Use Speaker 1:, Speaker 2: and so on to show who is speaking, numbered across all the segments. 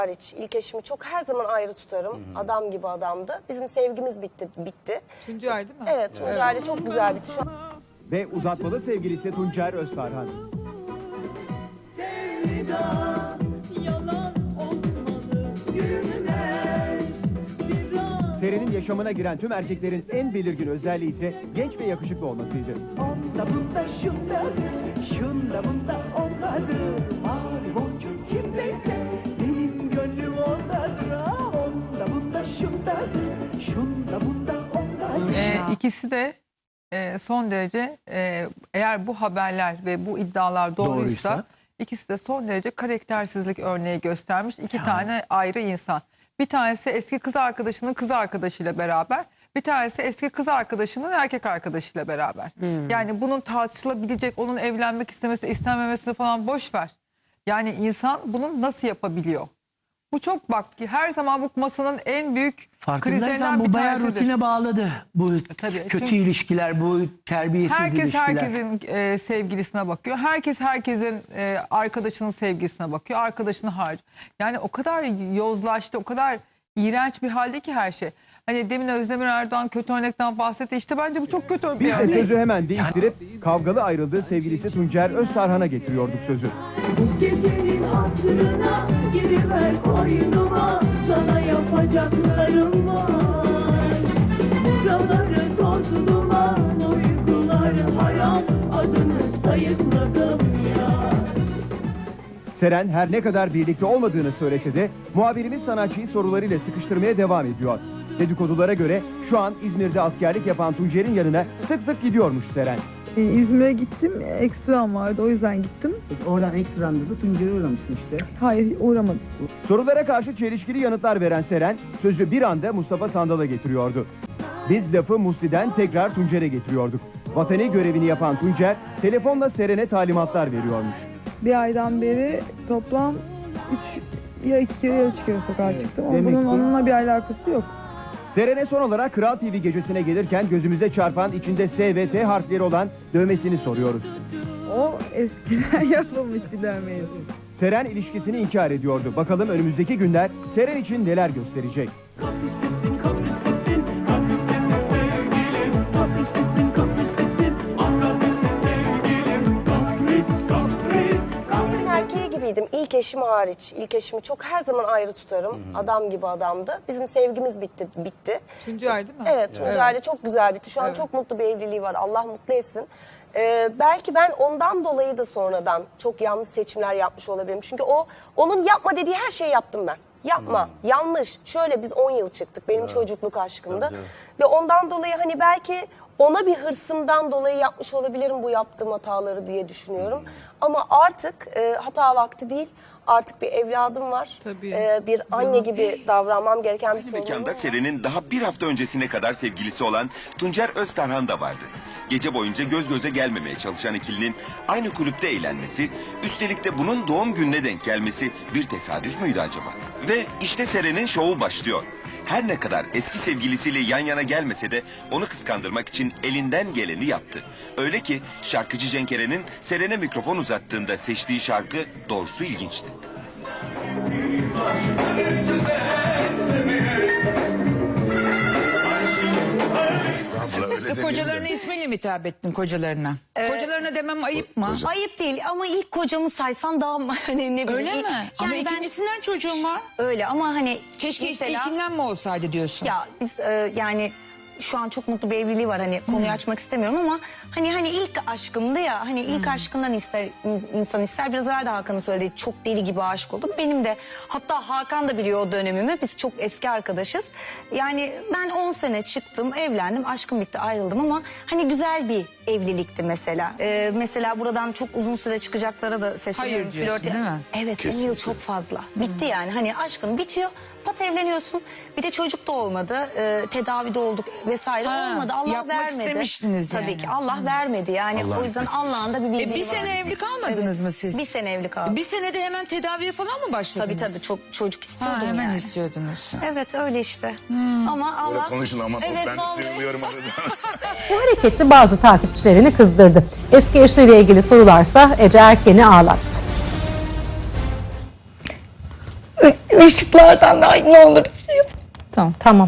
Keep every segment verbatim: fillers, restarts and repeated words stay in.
Speaker 1: hariç ilk eşimi çok her zaman ayrı tutarım. Hı hı. Adam gibi adamdı. Bizim sevgimiz bitti. bitti.
Speaker 2: Tuncay değil mi?
Speaker 1: Evet, Tuncay'la evet. Çok güzel bitti şu an.
Speaker 3: Ve uzatmalı sevgilisi Tuncer Öztarhan. Seren'in yaşamına giren tüm erkeklerin en belirgin özelliği ise genç ve yakışıklı olmasıydı.
Speaker 4: Onda bunda şundadır, şunda bunda ondadır. Mavi boncuk kimdeyse benim gönlüm ondadır. Onda bunda şundadır, şunda bunda ondadır.
Speaker 2: Ee, ikisi de e, son derece e, eğer bu haberler ve bu iddialar doğruysa, doğruysa ikisi de son derece karaktersizlik örneği göstermiş iki yani. tane ayrı insan. Bir tanesi eski kız arkadaşının kız arkadaşıyla beraber, bir tanesi eski kız arkadaşının erkek arkadaşıyla beraber. Hmm. Yani bunun tartışılabilecek, onun evlenmek istemesi, istenmemesini falan boş ver. Yani insan bunu nasıl yapabiliyor? Bu çok bak her zaman bu masanın en büyük krizlerinden
Speaker 5: bu
Speaker 2: bir
Speaker 5: bayağı
Speaker 2: tanesidir.
Speaker 5: rutine bağladı. Bu
Speaker 2: Tabii,
Speaker 5: kötü
Speaker 2: çünkü
Speaker 5: ilişkiler, bu terbiyesiz
Speaker 2: herkes
Speaker 5: ilişkiler.
Speaker 2: Herkes herkesin e, sevgilisine bakıyor. Herkes herkesin e, arkadaşının sevgilisine bakıyor. Arkadaşını harcıyor. Yani o kadar yozlaştı, o kadar iğrenç bir halde ki her şey. Hani demin Özdemir Erdoğan kötü örnekten bahsetti. İşte bence bu çok kötü bir
Speaker 3: Biz
Speaker 2: örnek.
Speaker 3: de sözü hemen değiştirip kavgalı ayrıldığı sevgilisi Tuncer Öztarhan'a getiriyorduk sözü.
Speaker 4: Bu gecenin hatırına giriver koynuma, sana yapacaklarım var. Buraları toz duman, uykular haram, adını sayıkladım ya.
Speaker 3: Seren her ne kadar birlikte olmadığını söylese de muhabirimiz sanatçıyı sorularıyla sıkıştırmaya devam ediyor. Dedikodulara göre şu an İzmir'de askerlik yapan Tuncer'in yanına sık sık gidiyormuş Seren.
Speaker 6: Ee, İzmir'e gittim, ekstram vardı, o yüzden gittim.
Speaker 7: Peki oradan ekstranda da Tuncer'e uğramışsın işte.
Speaker 6: Hayır, uğramadım.
Speaker 3: Sorulara karşı çelişkili yanıtlar veren Seren sözü bir anda Mustafa Sandal'a getiriyordu. Biz lafı Musli'den tekrar Tuncer'e getiriyorduk. Vatani görevini yapan Tuncer telefonla Seren'e talimatlar veriyormuş.
Speaker 6: Bir aydan beri toplam üç ya iki kere ya üç kere sokağa çıktım. Ama
Speaker 3: Demek
Speaker 6: bunun
Speaker 3: ki...
Speaker 6: onunla bir alakası yok.
Speaker 3: Seren'e son olarak Kral T V gecesine gelirken gözümüze çarpan içinde S ve T harfleri olan dövmesini soruyoruz.
Speaker 6: O eskiden yapılmış bir dövmeydi.
Speaker 3: Seren ilişkisini inkar ediyordu. Bakalım önümüzdeki günler Seren için neler gösterecek?
Speaker 4: Kapristesin, kapristesin, kapristesin sevgilim. Kapristesin, kapristesin, ah kapristesin sevgilim. Kapris, kapris, kapris.
Speaker 1: Erkeği gibiydim ilk eşim hariç. İlk eşimi çok her zaman ayrı tutarım. Hı hı. Adam gibi adamdı. Bizim sevgimiz bitti. bitti.
Speaker 2: Tuncay değil mi?
Speaker 1: Evet, Tuncay'la evet. çok güzel bitti. Şu an evet. çok mutlu bir evliliği var. Allah mutlu etsin. Ee, belki ben ondan dolayı da sonradan çok yanlış seçimler yapmış olabilirim. Çünkü o onun yapma dediği her şeyi yaptım ben. Yapma, hmm. yanlış. Şöyle biz on yıl çıktık. Benim evet. çocukluk aşkımda. Evet, evet. Ve ondan dolayı hani belki ona bir hırsımdan dolayı yapmış olabilirim bu yaptığım hataları diye düşünüyorum. Hmm. Ama artık e, hata vakti değil. Artık bir evladım var. Ee, bir anne gibi davranmam gereken bir sorun.
Speaker 8: Mekanda Seren'in daha bir hafta öncesine kadar sevgilisi olan Tuncer Öztarhan da vardı. Gece boyunca göz göze gelmemeye çalışan ikilinin aynı kulüpte eğlenmesi, üstelik de bunun doğum gününe denk gelmesi bir tesadüf müydü acaba? Ve işte Seren'in şovu başlıyor. Her ne kadar eski sevgilisiyle yan yana gelmese de onu kıskandırmak için elinden geleni yaptı. Öyle ki şarkıcı Cenk Eren'in Seren'e mikrofon uzattığında seçtiği şarkı doğrusu ilginçti.
Speaker 9: Öyle kocalarına ismiyle mi hitap ettin kocalarına? Ee, kocalarına demem ayıp mı?
Speaker 10: Koca. Ayıp değil ama ilk kocamı saysan daha hani ne bileyim.
Speaker 9: Öyle
Speaker 10: ilk,
Speaker 9: mi?
Speaker 10: yani
Speaker 9: ama
Speaker 10: ben,
Speaker 9: ikincisinden çocuğum var.
Speaker 10: Öyle ama hani.
Speaker 9: Keşke mesela, ilkinden mi olsaydı diyorsun?
Speaker 10: Ya biz e, yani şu an çok mutlu bir evliliği var hani konuyu hmm. açmak istemiyorum ama hani hani ilk aşkımdı ya hani ilk hmm. aşkından ister insan ister biraz evvel de Hakan'ın söylediği çok deli gibi aşık oldum. Benim de hatta Hakan da biliyor o dönemimi, biz çok eski arkadaşız. Yani ben on sene çıktım, evlendim, aşkım bitti, ayrıldım ama hani güzel bir evlilikti mesela. Ee, mesela buradan çok uzun süre çıkacaklara da sesleniyorum.
Speaker 9: Hayır diyorsun değil mi?
Speaker 10: Evet, on yıl çok fazla. Hmm. Bitti yani hani aşkın bitiyor. Pat evleniyorsun. Bir de çocuk da olmadı. E, tedavide olduk vesaire ha, olmadı. Allah
Speaker 9: yapmak
Speaker 10: vermedi.
Speaker 9: istemiştiniz yani.
Speaker 10: Tabii ki Allah hmm. vermedi yani. Allah o yüzden Allah'ın da bir bildiği
Speaker 9: e, Bir sene
Speaker 10: var.
Speaker 9: evli kalmadınız
Speaker 10: evet.
Speaker 9: mı siz?
Speaker 10: Bir sene evli kaldım.
Speaker 9: Bir senede hemen tedaviye falan mı başladınız?
Speaker 10: Tabii tabii çok çocuk istiyordum
Speaker 9: ha, hemen
Speaker 10: yani.
Speaker 9: istiyordunuz.
Speaker 10: Evet öyle işte. Hmm. Ama Allah...
Speaker 11: Öyle konuşun ama evet, ben
Speaker 10: vallahi...
Speaker 11: söylüyorum.
Speaker 12: Bu hareketi bazı takipçilerini kızdırdı. Eski eşleriyle ilgili sorularsa Ece Erken'i ağlattı.
Speaker 10: Işıklardan da ne olur şey yap.
Speaker 12: Tamam. Tamam.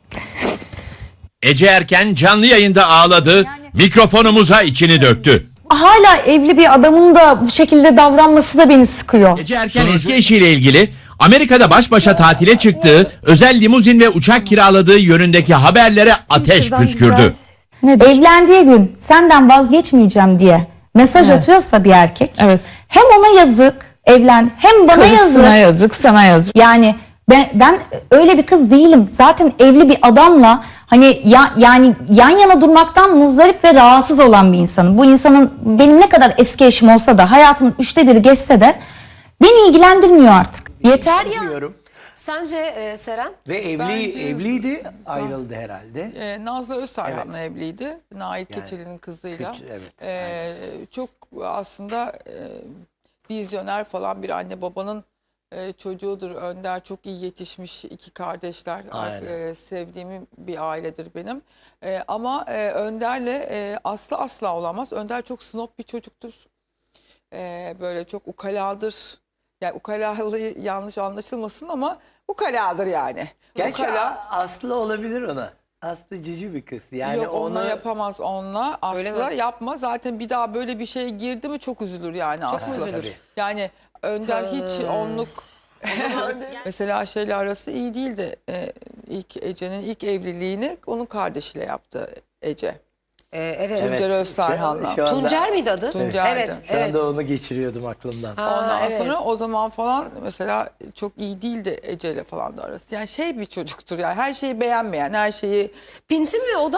Speaker 11: Ece Erken canlı yayında ağladı, mikrofonumuza içini döktü.
Speaker 10: Hala evli bir adamın da bu şekilde davranması da beni sıkıyor.
Speaker 11: Ece Erken eski eşiyle ilgili Amerika'da baş başa tatile çıktığı, özel limuzin ve uçak kiraladığı yönündeki haberlere ateş püskürdü.
Speaker 10: Evlendiği gün senden vazgeçmeyeceğim diye mesaj
Speaker 9: Evet.
Speaker 10: atıyorsa bir erkek,
Speaker 9: Evet.
Speaker 10: hem ona yazık evlen hem bana
Speaker 9: Karısına
Speaker 10: yazık.
Speaker 9: yazık, sana yazık.
Speaker 10: Yani ben ben öyle bir kız değilim. Zaten evli bir adamla hani ya, yani yan yana durmaktan muzdarip ve rahatsız olan bir insanım. Bu insanın benim ne kadar eski eşim olsa da hayatımın üçte biri geçse de beni ilgilendirmiyor artık. Yeter ya.
Speaker 13: Biliyorum.
Speaker 1: Sence e, Seren?
Speaker 13: Ve evli
Speaker 2: Bence-
Speaker 13: evliydi, ayrıldı herhalde.
Speaker 2: Ee, Nazlı Öztarhan'la evliydi. Nail
Speaker 13: Yani,
Speaker 2: Keçeli'nin kızıyla.
Speaker 13: Keç- evet,
Speaker 2: Ee, çok aslında e, vizyoner falan bir anne babanın e, çocuğudur. Önder çok iyi yetişmiş iki kardeşler.
Speaker 13: Aynen.
Speaker 2: E, sevdiğim bir ailedir benim. E, ama e, Önder'le e, Aslı asla olamaz. Önder çok snob bir çocuktur. E, böyle çok ukaladır. Yani ukalalığı yanlış anlaşılmasın ama ukaladır yani.
Speaker 13: Gerçi
Speaker 2: Ukala-
Speaker 13: A- Aslı olabilir ona. Aslı cici bir kız. Yani
Speaker 2: Yok onunla
Speaker 13: onu
Speaker 2: yapamaz onunla.
Speaker 1: Öyle
Speaker 2: Asla
Speaker 1: mi?
Speaker 2: yapma. Zaten bir daha böyle bir şeye girdi mi çok üzülür yani
Speaker 1: Çok
Speaker 2: Aslı.
Speaker 1: mu üzülür?
Speaker 13: Tabii.
Speaker 2: Yani Önder hiç onluk mesela şeyle arası iyi değildi. Ee, ilk Ece'nin ilk evliliğini onun kardeşiyle yaptı Ece.
Speaker 1: Ee, evet.
Speaker 2: Tuncer
Speaker 13: Evet,
Speaker 2: Öztarhan'la.
Speaker 13: şu- şu anda-
Speaker 1: Tuncer miydi adı?
Speaker 2: Tuncer'di.
Speaker 1: Evet,
Speaker 13: Şu
Speaker 1: evet.
Speaker 13: anda onu geçiriyordum aklımdan.
Speaker 1: Ha,
Speaker 2: Ondan
Speaker 1: evet.
Speaker 2: sonra o zaman falan mesela çok iyi değildi Ece'yle falan da arası. Yani şey bir çocuktur yani her şeyi beğenmeyen, her şeyi
Speaker 1: Pinti mi o da?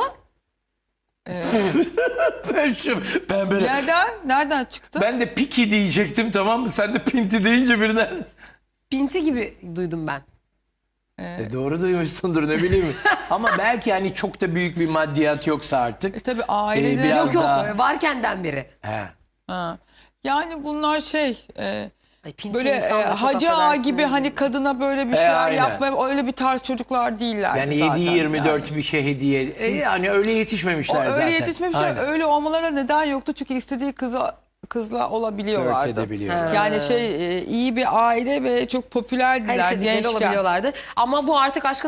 Speaker 13: ben, şu, ben böyle
Speaker 2: nereden nereden çıktı?
Speaker 13: ben de piki diyecektim, tamam mı? Sen de pinti deyince birden.
Speaker 1: Pinti gibi duydum ben.
Speaker 13: E, doğru duymuşsundur, ne bileyim. Ama belki hani çok da büyük bir maddiyat yoksa artık.
Speaker 2: E, tabii ailede
Speaker 13: Ee, biraz
Speaker 1: Yok yok
Speaker 13: daha-
Speaker 1: varkenden beri.
Speaker 13: He.
Speaker 2: Ha. Yani bunlar şey e,
Speaker 1: Ay, pinti
Speaker 2: böyle e,
Speaker 1: insan da çok
Speaker 2: hacı ağa
Speaker 1: affedersin
Speaker 2: gibi
Speaker 1: yani.
Speaker 2: hani kadına böyle bir
Speaker 13: E,
Speaker 2: şeyler
Speaker 13: aynen.
Speaker 2: yapma öyle bir tarz çocuklar değiller
Speaker 13: Yani
Speaker 2: zaten.
Speaker 13: yedi yirmi dört
Speaker 2: yani.
Speaker 13: bir şey hediye. E, yani öyle
Speaker 2: O
Speaker 13: yetişmemişler
Speaker 2: öyle
Speaker 13: zaten.
Speaker 2: yetişmemişler
Speaker 13: Aynen.
Speaker 2: öyle olmalarına neden yoktu çünkü istediği kıza kızla olabiliyorlardı.
Speaker 13: Flört edebiliyorlar.
Speaker 2: Yani şey e, iyi bir aile ve çok popülerdiler
Speaker 1: Her istedikleri
Speaker 2: gençken.
Speaker 1: olabiliyorlardı. Ama bu artık aşkın